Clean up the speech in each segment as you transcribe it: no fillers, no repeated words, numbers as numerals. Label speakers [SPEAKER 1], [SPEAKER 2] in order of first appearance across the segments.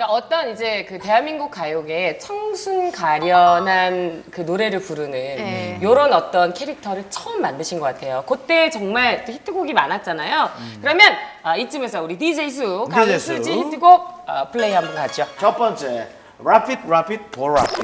[SPEAKER 1] 그러니까 어떤 이제 그 대한민국 가요계에 청순 가련한 그 노래를 부르는 요런 어떤 캐릭터를 처음 만드신 것 같아요. 그때 정말 또 히트곡이 많았잖아요. 그러면 이쯤에서 우리 DJ 수 강수지 히트곡 플레이 한번 가죠.
[SPEAKER 2] 첫 번째 Rapid 보라핏.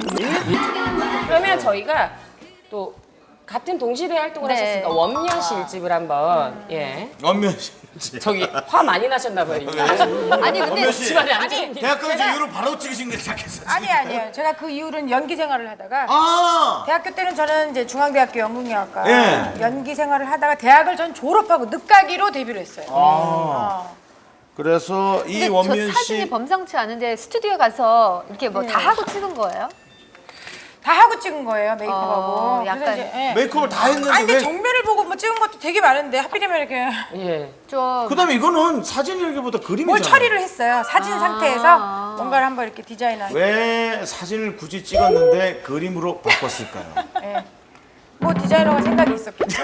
[SPEAKER 1] 그러면 저희가 또 같은 동시대에 활동을 하셨으니까 원면 씨 일집을 한번
[SPEAKER 2] 원면 씨.
[SPEAKER 1] 저기 화 많이 나셨나 봐요.
[SPEAKER 3] 아니 근데
[SPEAKER 2] 원면 씨.
[SPEAKER 1] 집안에 앉아
[SPEAKER 2] 대학교 이후로 바로 찍으신 게 시작했어요.
[SPEAKER 4] 아니에요. 제가 그 이후로는 연기 생활을 하다가
[SPEAKER 2] 아.
[SPEAKER 4] 대학교 때는 저는 이제 중앙대학교 연극영화과
[SPEAKER 2] 예.
[SPEAKER 4] 연기 생활을 하다가 대학을 전 졸업하고 늦가기로 데뷔를 했어요.
[SPEAKER 2] 그래서 이
[SPEAKER 3] 근데
[SPEAKER 2] 원면
[SPEAKER 3] 저 사진이
[SPEAKER 2] 씨
[SPEAKER 3] 범상치 않은데 스튜디오에 가서 이렇게 뭐 다 하고 찍은 거예요?
[SPEAKER 4] 다 하고 찍은 거예요, 메이크업하고.
[SPEAKER 3] 약간
[SPEAKER 4] 그래서 이제, 예.
[SPEAKER 2] 메이크업을 다 했는데
[SPEAKER 4] 아니 근데
[SPEAKER 2] 왜?
[SPEAKER 4] 정면을 보고 뭐 찍은 것도 되게 많은데 하필이면 이렇게
[SPEAKER 1] 예.
[SPEAKER 3] 좀
[SPEAKER 2] 그다음에 이거는 사진이라기보다 그림이잖아요.
[SPEAKER 4] 뭘 처리를 했어요. 사진 상태에서 뭔가를 한번 이렇게 디자인한.
[SPEAKER 2] 왜 사진을 굳이 찍었는데 그림으로 바꿨을까요?
[SPEAKER 4] 예. 뭐 디자이너가 생각이 있었겠죠.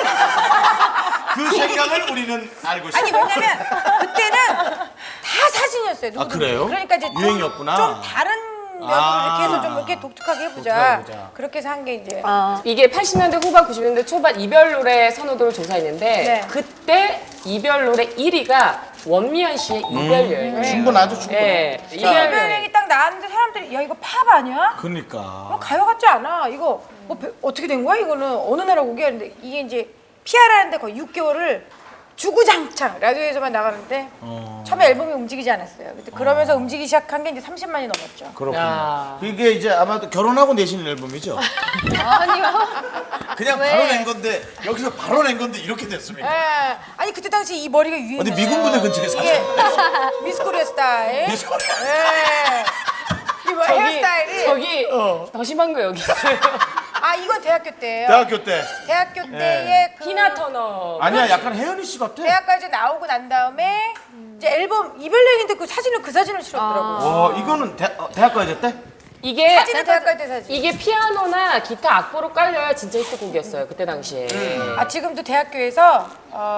[SPEAKER 2] 그 생각을 우리는 알고 있어요.
[SPEAKER 4] 아니 왜냐면 그때는 다 사진이었어요. 누구든지.
[SPEAKER 2] 그래요?
[SPEAKER 4] 그러니까 이제
[SPEAKER 2] 유행이었구나.
[SPEAKER 4] 좀 다른 면으로 이렇게 해서 좀 이렇게 독특하게 해보자. 그렇게 해서 한 게 이제.
[SPEAKER 1] 이게 80년대 후반, 90년대 초반 이별 노래 선호도를 조사했는데
[SPEAKER 4] 네.
[SPEAKER 1] 그때 이별 노래 1위가 원미연 씨의 이별 여행.
[SPEAKER 2] 충분하죠, 충분.
[SPEAKER 1] 예. 이별 여행.
[SPEAKER 4] 이별행이 딱 나왔는데 사람들이 야 이거 팝 아니야?
[SPEAKER 2] 그러니까.
[SPEAKER 4] 가요 같지 않아. 이거 뭐 어떻게 된 거야? 이거는 어느 나라 곡이야? 근데 이게 이제 PR하는데 거의 6개월을 주구장창 라디오에서만 나가는데 처음에 앨범이 움직이지 않았어요. 근데 그러면서 움직이기 시작한 게 이제 30만이 넘었죠.
[SPEAKER 2] 그렇군요.
[SPEAKER 1] 야.
[SPEAKER 2] 이게 이제 아마도 결혼하고 내신 앨범이죠?
[SPEAKER 3] 아니요.
[SPEAKER 2] 그냥
[SPEAKER 3] 왜?
[SPEAKER 2] 바로 낸 건데 여기서 바로 낸 건데 이렇게 됐습니다.
[SPEAKER 4] 예. 아니 그때 당시 이 머리가 유행했어요.
[SPEAKER 2] 어디 미군 부대 근처에
[SPEAKER 4] 이게
[SPEAKER 2] 사셨어요?
[SPEAKER 4] 미스코리아 스타일.
[SPEAKER 2] 미스코리아
[SPEAKER 4] 예. 이뭐 헤어스타일이.
[SPEAKER 1] 저기 더 심한 거 여기 있어요.
[SPEAKER 4] 아 이건 대학교 때예요.
[SPEAKER 2] 대학교 때.
[SPEAKER 4] 대학교 때의 그
[SPEAKER 1] 티나 터너.
[SPEAKER 2] 아니야, 약간 혜연이 씨 같아.
[SPEAKER 4] 대학까지 나오고 난 다음에 이제 앨범 이별여행인데 그 사진을 실었더라고요.
[SPEAKER 2] 와, 이거는 대학까지 때?
[SPEAKER 1] 이게
[SPEAKER 4] 사진은 대학갈 때 사진.
[SPEAKER 1] 이게 피아노나 기타 악보로 깔려야 진짜 히트곡이었어요. 그때 당시에.
[SPEAKER 4] 아 지금도 대학교에서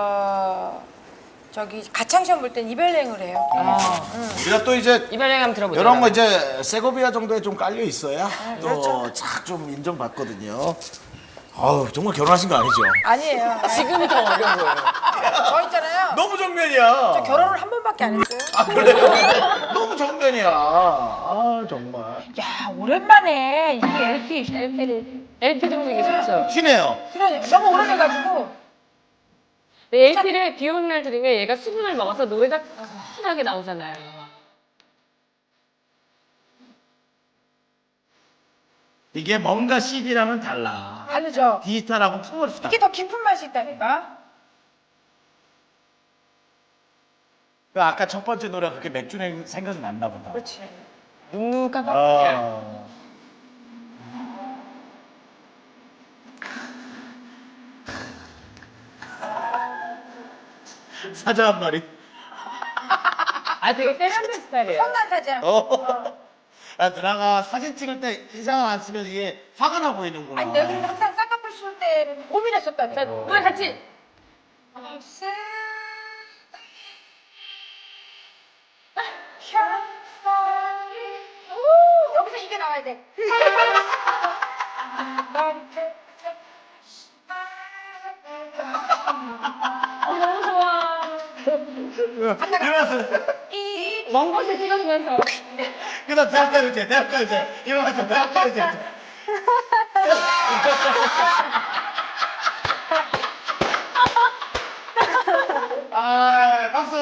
[SPEAKER 4] 저기 가창 시험 볼 땐 이별여행을 해요.
[SPEAKER 2] 우리가 또 이제
[SPEAKER 1] 이별 여행 한번 들어보죠.
[SPEAKER 2] 이런 거 이제 세고비아 정도에 좀 깔려 있어야
[SPEAKER 4] 그렇죠.
[SPEAKER 2] 또착좀 인정받거든요. 아우, 정말 결혼하신 거 아니죠?
[SPEAKER 4] 아니에요.
[SPEAKER 1] 지금이 더 어려워요.
[SPEAKER 4] 저 있잖아요.
[SPEAKER 2] 너무 정면이야.
[SPEAKER 4] 저 결혼을 한 번밖에 안 했어요.
[SPEAKER 2] 아, 그래요? 너무 정면이야. 아, 정말.
[SPEAKER 4] 야 오랜만에 이게
[SPEAKER 1] LP 들어보기 좋죠.
[SPEAKER 2] 쉬네요.
[SPEAKER 4] 그러네. 너무 오래돼가지고.
[SPEAKER 1] LP를 비 오는 날 들으면 얘가 수분을 먹어서 노래가 순하게 나오잖아요.
[SPEAKER 2] 이게 뭔가 CD랑은 달라.
[SPEAKER 4] 다르죠.
[SPEAKER 2] 디지털하고 플러스다.
[SPEAKER 4] 이게 더 깊은 맛이 있다니까.
[SPEAKER 2] 아까 첫 번째 노래가 그렇게 맥주 생각이 났나 보다.
[SPEAKER 4] 그렇지.
[SPEAKER 1] 눅눅한
[SPEAKER 2] 아. 사자 한 마리.
[SPEAKER 1] 되게 세련된 스타일이에요.
[SPEAKER 4] 혼난타지 않고.
[SPEAKER 2] 아, 누나가 사진 찍을 때 인상을 안 쓰면 이게 화가 나 보이는구나.
[SPEAKER 4] 아니 내가 근데 항상 쌍꺼풀 쓸 때는 고민했었다니까.
[SPEAKER 1] 노래 같이.
[SPEAKER 4] 여기서 이게 나와야 돼.
[SPEAKER 1] 너무 좋아.
[SPEAKER 2] 이러면서
[SPEAKER 1] 먼 곳에 찍어주면서.
[SPEAKER 2] 그다음 대학교 이제 이러면서 대학교 이제 아, 박수.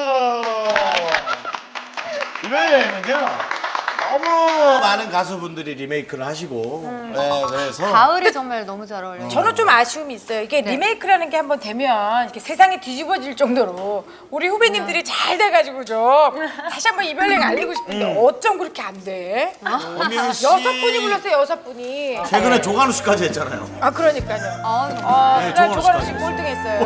[SPEAKER 2] 이번에는요 너무 많은 가수분들이 리메이크를 하시고 네, 그래서
[SPEAKER 3] 가을이 정말 너무 잘 어울려요.
[SPEAKER 4] 저는 좀 아쉬움이 있어요. 이게 리메이크라는 게 한번 되면 이렇게 세상이 뒤집어질 정도로 우리 후배님들이 잘 돼가지고 좀 다시 한번 이별여행 알리고 싶은데 어쩜 그렇게 안 돼?
[SPEAKER 2] 엄연 씨
[SPEAKER 4] 6분이 불렀어요, 6분이.
[SPEAKER 2] 최근에 조관우 씨까지 했잖아요.
[SPEAKER 4] 아 그러니까요.
[SPEAKER 3] 아,
[SPEAKER 4] 그날
[SPEAKER 2] 조관우
[SPEAKER 4] 조관우 씨
[SPEAKER 2] 씨까지.
[SPEAKER 4] 꼴등했어요.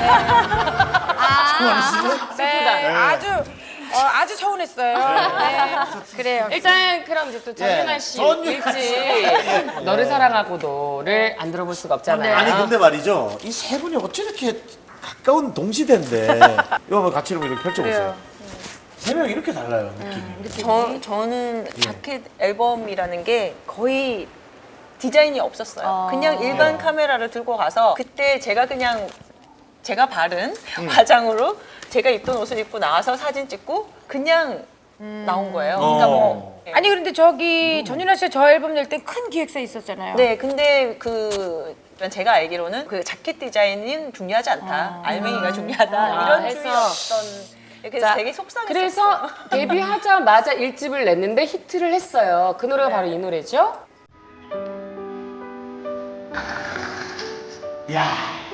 [SPEAKER 2] 조관우 씨는
[SPEAKER 4] 네, 아주 서운했어요. 네, 그래요.
[SPEAKER 1] 일단 그럼 이제 또 전윤아 씨
[SPEAKER 2] 전윤아
[SPEAKER 1] 일집 너를 사랑하고도를 안 들어볼 수가 없잖아요.
[SPEAKER 2] 아니 근데 말이죠 이 세 분이 어찌 이렇게 가까운 동시대인데 이거 한번 같이 이렇게 펼쳐보세요.
[SPEAKER 4] 그래요.
[SPEAKER 2] 세 명 이렇게 달라요 느낌이.
[SPEAKER 5] 저는 자켓 앨범이라는 게 거의 디자인이 없었어요. 그냥 일반 카메라를 들고 가서 그때 제가 그냥 제가 바른 화장으로 제가 입던 옷을 입고 나와서 사진 찍고 그냥 나온 거예요. 그러니까 뭐
[SPEAKER 4] 아니 그런데 저기 전윤아 씨가 저 앨범 낼 때 큰 기획사 있었잖아요.
[SPEAKER 5] 네, 근데 제가 알기로는 그 자켓 디자인은 중요하지 않다. 알맹이가 중요하다. 이런
[SPEAKER 1] 해서.
[SPEAKER 5] 주의였던. 그래서
[SPEAKER 1] 자,
[SPEAKER 5] 되게 속상했어요.
[SPEAKER 1] 그래서 데뷔하자마자 1집을 냈는데 히트를 했어요. 그 노래가 바로 이 노래죠.
[SPEAKER 2] 야.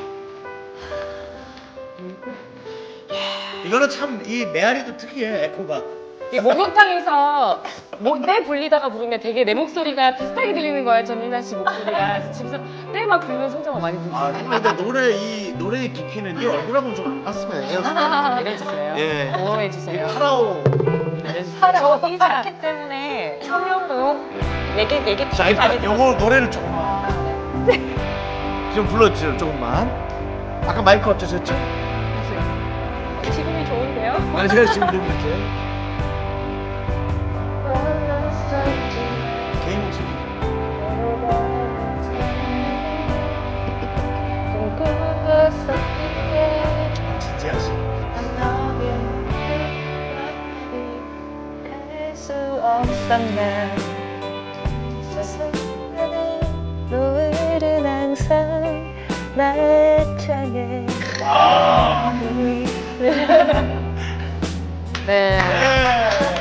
[SPEAKER 2] 이거는 참 이 메아리도 특이해 에코가.
[SPEAKER 1] 이 목욕탕에서 때 불리다가 부르면 되게 내 목소리가 비슷하게 들리는 거예요. 전민아 씨 목소리가. 그래서 집에서 때 막 부르면 손자가 많이
[SPEAKER 2] 아
[SPEAKER 1] 들리고.
[SPEAKER 2] 근데 이 노래의 깊이는 네 얼굴하고는 좀 안 맞으면
[SPEAKER 1] 내려주세요.
[SPEAKER 2] 예.
[SPEAKER 1] 보호해주세요.
[SPEAKER 2] 파라오.
[SPEAKER 5] 이 자켓 때문에 성형도 얘기
[SPEAKER 2] 자 일단 요거 노래를 조금만. 좀 불러주세요 조금만. 아까 마이크 어떠셨죠?
[SPEAKER 5] 지금이 좋은데요?
[SPEAKER 2] 아 제가 지금 너무 이렇게 개인 목소리. 진지하 씨.
[SPEAKER 5] 수 없었나 노을은 항상 나의 창에
[SPEAKER 1] 네.
[SPEAKER 2] 예.